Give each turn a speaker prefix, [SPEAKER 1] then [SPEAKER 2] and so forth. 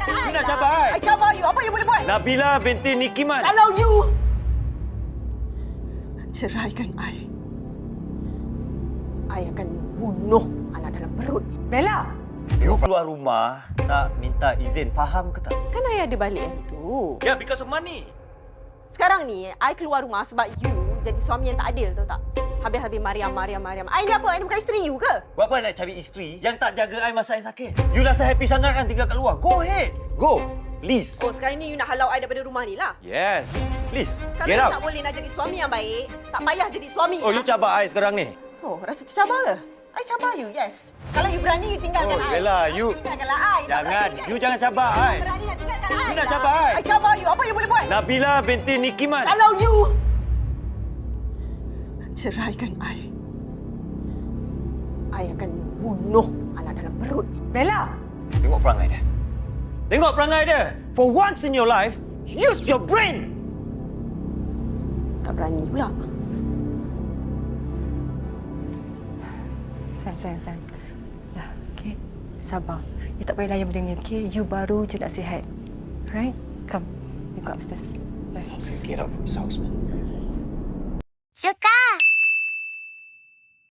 [SPEAKER 1] I.
[SPEAKER 2] You nak cabar I?
[SPEAKER 1] I cabar you. Apa you boleh buat?
[SPEAKER 2] Nabila binti Nikiman.
[SPEAKER 1] Kalau you ceraikan I akan bunuh anak dalam perut.
[SPEAKER 3] Bella,
[SPEAKER 2] You keluar rumah tak minta izin, faham ke tak?
[SPEAKER 1] Kan I ada balik yang tu.
[SPEAKER 2] Yeah, because of money.
[SPEAKER 1] Sekarang ni, I keluar rumah sebab you jadi suami yang tak adil, tahu tak? Habis-habis Mariam. I ni apa? I ni bukan isteri you ke?
[SPEAKER 2] Buat apa nak cari isteri yang tak jaga I masa I sakit? You rasa happy sangat kan tinggal kat luar? Go ahead. Go. Please.
[SPEAKER 1] Oh, sekarang ni you nak halau I daripada rumah ni lah.
[SPEAKER 2] Yes. Please.
[SPEAKER 1] Kalau
[SPEAKER 2] Get
[SPEAKER 1] you
[SPEAKER 2] out.
[SPEAKER 1] tak boleh nak jadi suami yang baik, tak payah jadi suami.
[SPEAKER 2] Oh, you cabar I sekarang ni.
[SPEAKER 1] Oh, rasa tercabar ke? I cabar you, yes. Kalau you berani, you tinggalkan
[SPEAKER 2] Oh,
[SPEAKER 1] I.
[SPEAKER 2] Bella, you-
[SPEAKER 1] Tinggalkanlah I.
[SPEAKER 2] Jangan. You jangan cabar I.
[SPEAKER 1] Berani nak tinggalkan I.
[SPEAKER 2] You nak cabar I?
[SPEAKER 1] I cabar you. Apa you boleh buat?
[SPEAKER 2] Nabila binti Nikiman.
[SPEAKER 1] Kalau you ceraikan I akan bunuh anak dalam perut.
[SPEAKER 3] Bella.
[SPEAKER 2] Tengok perangai dia. Tengok perangai dia. For once in your life, use your brain.
[SPEAKER 1] Tak berani pula.
[SPEAKER 3] Sayang. Dah, okay. Sabar. You tak payah layan benda ni, okay? You baru je nak sihat. Right? Come. You go upstairs. Let's
[SPEAKER 2] Get out from this house, man.
[SPEAKER 4] Suka!